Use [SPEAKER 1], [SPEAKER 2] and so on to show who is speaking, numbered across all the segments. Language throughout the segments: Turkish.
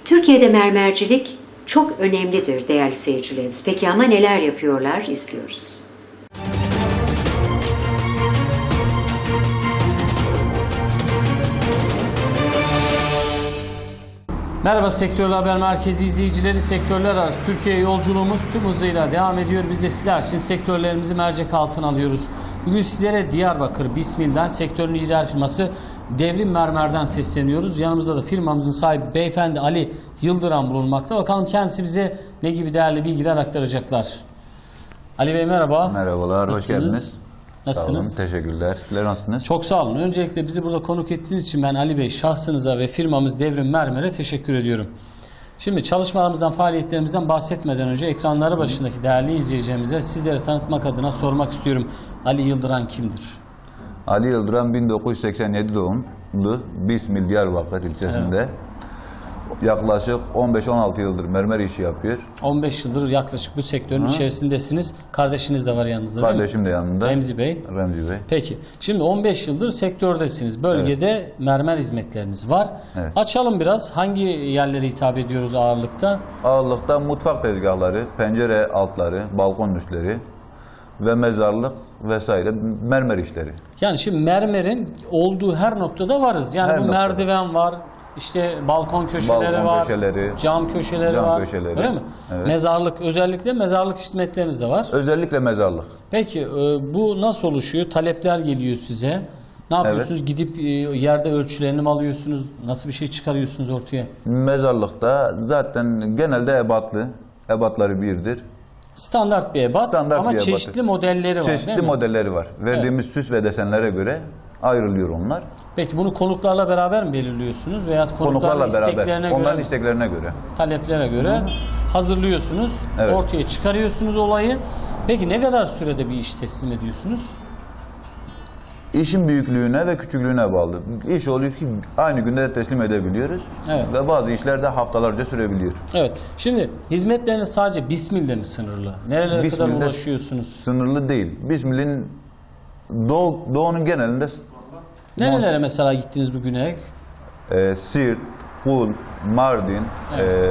[SPEAKER 1] Türkiye'de mermercilik çok önemlidir değerli seyircilerimiz. Peki ama neler yapıyorlar? İzliyoruz.
[SPEAKER 2] Merhaba Sektörler Haber Merkezi izleyicileri, sektörler arası Türkiye yolculuğumuz tüm hızıyla devam ediyor. Biz de sizler için sektörlerimizi mercek altına alıyoruz. Bugün sizlere Diyarbakır Bismil'den sektörün lider firması Devrim Mermer'den sesleniyoruz. Yanımızda da firmamızın sahibi beyefendi Ali Yıldıran bulunmakta. Bakalım kendisi bize ne gibi değerli bilgiler aktaracaklar. Ali Bey merhaba.
[SPEAKER 3] Merhabalar, hoş geldiniz.
[SPEAKER 2] Nasılsınız?
[SPEAKER 3] Sağ olun, teşekkürler. Sizler nasılsınız?
[SPEAKER 2] Çok sağ olun. Öncelikle bizi burada konuk ettiğiniz için ben Ali Bey şahsınıza ve firmamız Devrim Mermer'e teşekkür ediyorum. Şimdi çalışmalarımızdan, faaliyetlerimizden bahsetmeden önce ekranları başındaki değerli izleyicilerimize sizleri tanıtmak adına sormak istiyorum. Ali Yıldıran kimdir?
[SPEAKER 3] Ali Yıldıran 1987 doğumlu, Bismil Diyarbakır ilçesinde.
[SPEAKER 2] Evet.
[SPEAKER 3] Yaklaşık 15-16 yıldır mermer işi yapıyor.
[SPEAKER 2] 15 yıldır yaklaşık bu sektörün içerisindesiniz. Kardeşiniz de var yanınızda değil mi?
[SPEAKER 3] Kardeşim de yanında.
[SPEAKER 2] Remzi Bey.
[SPEAKER 3] Remzi Bey.
[SPEAKER 2] Peki. Şimdi 15 yıldır sektördesiniz. Bölgede mermer hizmetleriniz var.
[SPEAKER 3] Evet.
[SPEAKER 2] Açalım biraz. Hangi yerlere hitap ediyoruz ağırlıkta?
[SPEAKER 3] Ağırlıkta mutfak tezgahları, pencere altları, balkon üstleri ve mezarlık vesaire mermer işleri.
[SPEAKER 2] Yani şimdi mermerin olduğu her noktada varız. Yani
[SPEAKER 3] Her
[SPEAKER 2] bu
[SPEAKER 3] noktada.
[SPEAKER 2] merdiven var, işte balkon köşeleri
[SPEAKER 3] Balkon
[SPEAKER 2] var,
[SPEAKER 3] köşeleri,
[SPEAKER 2] cam köşeleri
[SPEAKER 3] cam
[SPEAKER 2] var.
[SPEAKER 3] köşeleri.
[SPEAKER 2] Öyle mi?
[SPEAKER 3] Evet.
[SPEAKER 2] Mezarlık, özellikle mezarlık hizmetleriniz de var.
[SPEAKER 3] Özellikle mezarlık.
[SPEAKER 2] Peki bu nasıl oluşuyor? Talepler geliyor size. Ne yapıyorsunuz? Gidip yerde ölçülerini mi alıyorsunuz? Nasıl bir şey çıkarıyorsunuz ortaya?
[SPEAKER 3] Mezarlıkta zaten genelde ebatlı. Ebatları birdir.
[SPEAKER 2] Standart bir ebat
[SPEAKER 3] Standart
[SPEAKER 2] ama
[SPEAKER 3] bir ebatı.
[SPEAKER 2] çeşitli modelleri var
[SPEAKER 3] Çeşitli
[SPEAKER 2] değil mi?
[SPEAKER 3] modelleri var. Verdiğimiz süs ve desenlere göre ayrılıyor onlar.
[SPEAKER 2] Peki bunu konuklarla beraber mi belirliyorsunuz veya konukların
[SPEAKER 3] Konuklarla
[SPEAKER 2] isteklerine
[SPEAKER 3] beraber.
[SPEAKER 2] göre
[SPEAKER 3] Onların
[SPEAKER 2] mi?
[SPEAKER 3] isteklerine göre.
[SPEAKER 2] Taleplere göre hazırlıyorsunuz,
[SPEAKER 3] Evet.
[SPEAKER 2] ortaya çıkarıyorsunuz olayı. Peki ne kadar sürede bir iş teslim ediyorsunuz?
[SPEAKER 3] İşin büyüklüğüne ve küçüklüğüne bağlı. İş oluyor ki aynı günde de teslim edebiliyoruz.
[SPEAKER 2] Evet.
[SPEAKER 3] Ve bazı işler de haftalarca sürebiliyor.
[SPEAKER 2] Evet. Şimdi hizmetleriniz sadece Bismil'de mi sınırlı? Nerelere kadar
[SPEAKER 3] Bismil'de
[SPEAKER 2] ulaşıyorsunuz?
[SPEAKER 3] Sınırlı değil. Bismil'in doğunun genelinde
[SPEAKER 2] Nerelere mesela gittiniz bugüne?
[SPEAKER 3] Siirt, Kul, Mardin,
[SPEAKER 2] Evet.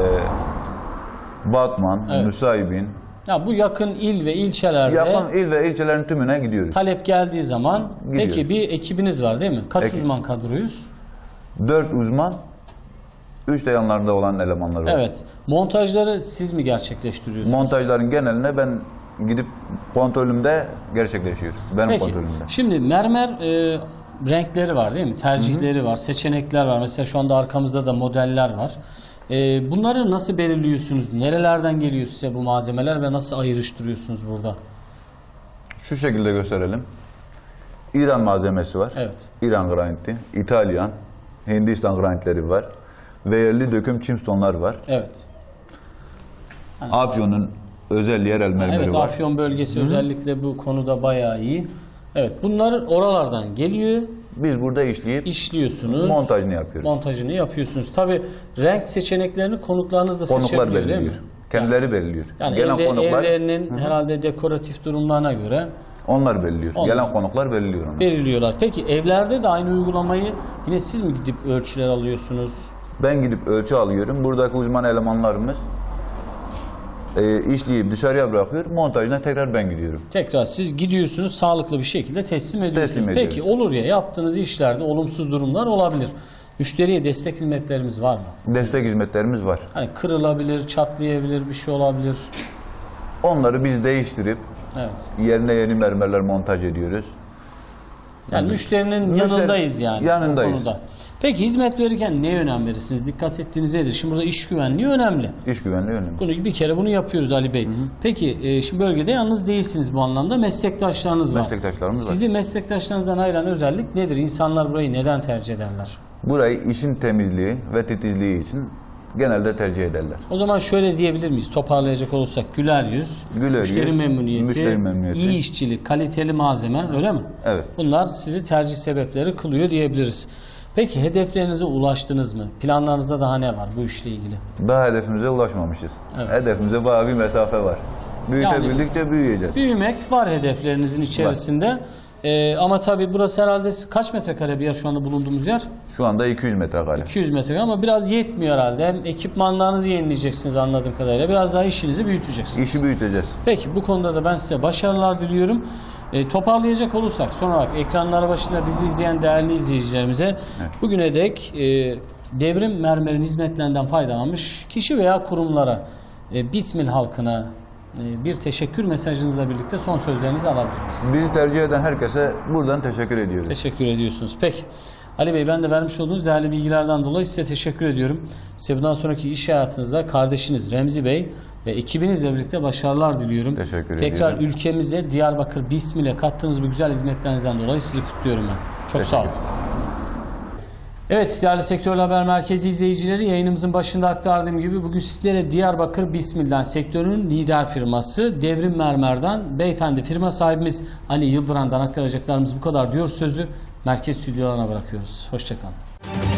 [SPEAKER 3] Batman,
[SPEAKER 2] Evet.
[SPEAKER 3] Nusaybin,
[SPEAKER 2] Ya bu yakın il ve ilçelerde
[SPEAKER 3] yakın il ve ilçelerin tümüne gidiyoruz.
[SPEAKER 2] talep geldiği zaman
[SPEAKER 3] Gidiyoruz.
[SPEAKER 2] peki bir ekibiniz var değil mi? Kaç
[SPEAKER 3] Ekip.
[SPEAKER 2] uzman kadroyuz?
[SPEAKER 3] 4 uzman, 3 de yanlarında olan elemanlar var.
[SPEAKER 2] Evet. Montajları siz mi gerçekleştiriyorsunuz?
[SPEAKER 3] Montajların geneline ben gidip kontrolümde gerçekleşiyor. Benim
[SPEAKER 2] Peki.
[SPEAKER 3] kontrolümde.
[SPEAKER 2] Şimdi mermer renkleri var değil mi? Tercihleri var, seçenekler var. Mesela şu anda arkamızda da modeller var. Bunları nasıl belirliyorsunuz? Nerelerden geliyor size bu malzemeler ve nasıl ayrıştırıyorsunuz burada?
[SPEAKER 3] Şu şekilde gösterelim. İran malzemesi var.
[SPEAKER 2] Evet.
[SPEAKER 3] İran graniti, İtalyan, Hindistan granitleri var. Ve yerli döküm çimstonlar var.
[SPEAKER 2] Evet.
[SPEAKER 3] Afyon'un özel yerel mermeri
[SPEAKER 2] Evet,
[SPEAKER 3] var.
[SPEAKER 2] Afyon bölgesi özellikle bu konuda bayağı iyi. Evet, bunlar oralardan geliyor,
[SPEAKER 3] Biz burada işleyip
[SPEAKER 2] işliyorsunuz.
[SPEAKER 3] montajını yapıyoruz.
[SPEAKER 2] Montajını yapıyorsunuz. Tabii renk seçeneklerini konuklarınız da
[SPEAKER 3] Konuklar
[SPEAKER 2] seçebiliyor değil
[SPEAKER 3] belirliyor.
[SPEAKER 2] mi?
[SPEAKER 3] Kendileri belirliyor.
[SPEAKER 2] Yani
[SPEAKER 3] Gelen konuklar
[SPEAKER 2] evlerinin herhalde dekoratif durumlarına göre
[SPEAKER 3] onlar belirliyor.
[SPEAKER 2] Onlar.
[SPEAKER 3] Gelen konuklar belirliyor onu.
[SPEAKER 2] belirliyorlar. Peki evlerde de aynı uygulamayı yine siz mi gidip ölçüler alıyorsunuz?
[SPEAKER 3] Ben gidip ölçü alıyorum. Buradaki uzman elemanlarımız işleyip dışarıya bırakıyor. Montajına tekrar ben gidiyorum.
[SPEAKER 2] Tekrar siz gidiyorsunuz, sağlıklı bir şekilde teslim ediyorsunuz.
[SPEAKER 3] Teslim
[SPEAKER 2] Peki
[SPEAKER 3] ediyoruz.
[SPEAKER 2] olur ya, yaptığınız işlerde olumsuz durumlar olabilir. Müşteriye destek hizmetlerimiz var mı?
[SPEAKER 3] Destek hizmetlerimiz var.
[SPEAKER 2] Hani kırılabilir, çatlayabilir, bir şey olabilir.
[SPEAKER 3] Onları biz değiştirip
[SPEAKER 2] Evet.
[SPEAKER 3] yerine yeni mermerler montaj ediyoruz.
[SPEAKER 2] Yani müşterinin
[SPEAKER 3] Müşteri-
[SPEAKER 2] yanındayız yani.
[SPEAKER 3] yanındayız.
[SPEAKER 2] o konuda. Peki hizmet verirken neye önem verirsiniz? Dikkat ettiğiniz nedir? Şimdi burada iş güvenliği önemli.
[SPEAKER 3] İş güvenliği önemli.
[SPEAKER 2] Bir kere bunu yapıyoruz Ali Bey. Peki şimdi bölgede yalnız değilsiniz bu anlamda. Meslektaşlarınız var.
[SPEAKER 3] Meslektaşlarımız var.
[SPEAKER 2] Sizi meslektaşlarınızdan ayıran özellik nedir? İnsanlar burayı neden tercih ederler?
[SPEAKER 3] Burayı işin temizliği ve titizliği için genelde tercih ederler.
[SPEAKER 2] O zaman şöyle diyebilir miyiz? Toparlayacak olursak güler yüz,
[SPEAKER 3] Güler
[SPEAKER 2] müşteri
[SPEAKER 3] yüz,
[SPEAKER 2] memnuniyeti,
[SPEAKER 3] müşteri memnuniyeti.
[SPEAKER 2] iyi işçilik, kaliteli malzeme, öyle mi?
[SPEAKER 3] Evet.
[SPEAKER 2] Bunlar sizi tercih sebepleri kılıyor diyebiliriz. Peki hedeflerinize ulaştınız mı? Planlarınızda daha ne var bu işle ilgili?
[SPEAKER 3] Daha hedefimize ulaşmamışız.
[SPEAKER 2] Evet.
[SPEAKER 3] Hedefimize bayağı bir mesafe var. Büyütebildikçe büyüyeceğiz.
[SPEAKER 2] Büyümek var hedeflerinizin içerisinde. Ama tabii burası herhalde kaç metrekare bir yer şu anda bulunduğumuz yer?
[SPEAKER 3] Şu anda 200 metrekare.
[SPEAKER 2] 200 metrekare ama biraz yetmiyor herhalde. Hem ekipmanlarınızı yenileyeceksiniz anladığım kadarıyla. Biraz daha işinizi büyüteceksiniz.
[SPEAKER 3] İşi büyüteceğiz.
[SPEAKER 2] Peki bu konuda da ben size başarılar diliyorum. Toparlayacak olursak son olarak ekranlar başında bizi izleyen değerli izleyicilerimize bugüne dek Devrim Mermer'in hizmetlerinden faydalanmış kişi veya kurumlara Bismil halkına bir teşekkür mesajınızla birlikte son sözlerinizi alabilir miyiz?
[SPEAKER 3] Bizi tercih eden herkese buradan teşekkür ediyoruz.
[SPEAKER 2] Teşekkür ediyorsunuz. Peki. Ali Bey, ben de vermiş olduğunuz değerli bilgilerden dolayı size teşekkür ediyorum. Size bundan sonraki iş hayatınızda kardeşiniz Remzi Bey ve ekibinizle birlikte başarılar diliyorum.
[SPEAKER 3] Teşekkür
[SPEAKER 2] Tekrar
[SPEAKER 3] ediyorum.
[SPEAKER 2] ülkemize Diyarbakır Bismil'e kattığınız bu güzel hizmetlerinizden dolayı sizi kutluyorum ben. Çok sağ olun. Evet değerli Sektörel Haber Merkezi izleyicileri, yayınımızın başında aktardığım gibi bugün sizlere Diyarbakır Bismil'den sektörün lider firması Devrim Mermer'den beyefendi firma sahibimiz Ali Yıldıran'dan aktaracaklarımız bu kadar diyor sözü merkez stüdyolarına bırakıyoruz. Hoşçakalın.